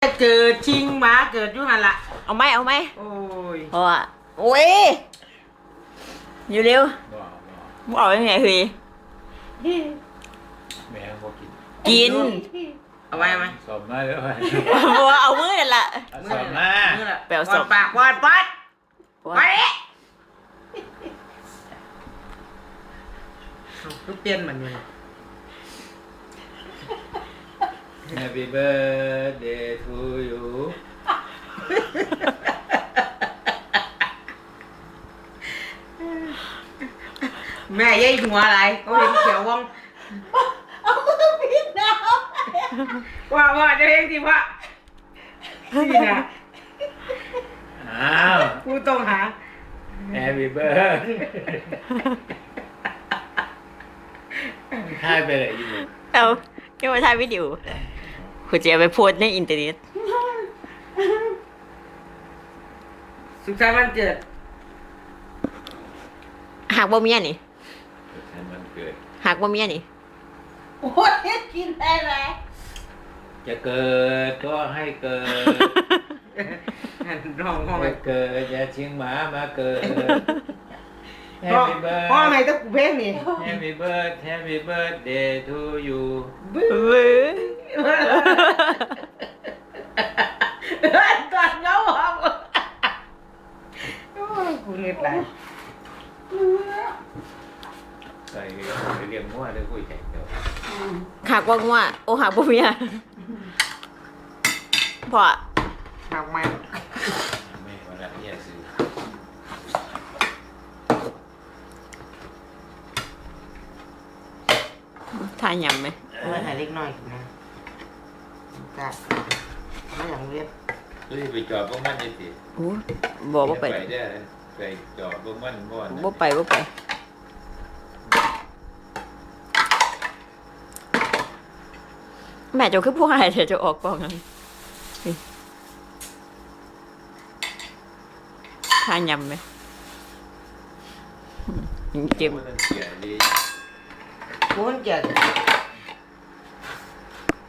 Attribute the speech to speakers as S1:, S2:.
S1: เกิดชิงหมาเกิดยุหันละ
S2: เอาไหมโอ้
S1: ย
S2: เพราะว่าโอ้ยอยู่เร็วมึงออกยังไงเฮ้ย
S3: แม่ก็
S2: กิน
S1: เอาไว้ไหม
S3: สอบมาเลย
S2: เพราะว่าเอามือนั่นแหละ
S3: สอบมา
S2: แปลวสอบ
S1: ปากวาดปัดไปก็เปลี่ยนมันเลย
S3: Happy birthday to you
S1: แม่ยัยหัวอะไรเขาเห็นเขียวว่อง
S4: เอามือปิดน้
S1: ำว่าจะเองสิว่าสินะ
S3: อ้าว
S1: กูต้องหา
S3: Happy birthday ถ่ายไปเลยอยู่
S2: เอาแค่มาถ่ายวิดีโอคุณจะเอาไปโพสในอินเทอร์เน็ต
S1: สุขสันต์วันเกิด
S2: หากบ่เมียนี่
S3: มันเกิด
S2: หากบ่เมียนี่
S4: ำโอ้ยกินได้ไหม
S3: จะเกิดก็ให้เกิด
S1: ร้องห้อง
S3: จะเกิดอย่าชิงหมามาเกิด
S1: ห้อง
S3: Happy birthday
S1: ห้องไหนต้องกูเพลงนี่
S3: Happy birthday to you
S2: บื้อ
S1: ตอนเงาห้องกูเหนื่อยไร
S3: ใส่เรียงมั่วเลยคุยแข่งเดียว
S2: หากบ่งัวโอ้หากบ่เมียพอ
S1: หักมัน
S3: ไม่วันละเนี่ยซื้อ
S2: ทานยำไหม
S1: ไม่หายเล็กน้อยนะจ้าไม่อย่างเรียบ
S3: ซื้อไปจอดพวกมันยังสิ
S2: โอ้บอกว่าไป
S3: ได้ไปจอดพวกมันบ่อน
S2: บ่ไปแม่เจ้าคือผู้หายเดี๋ยวจะออกกล้องกันทานยำไหมเจ็บ
S3: เสียดี
S1: กูมันเกิด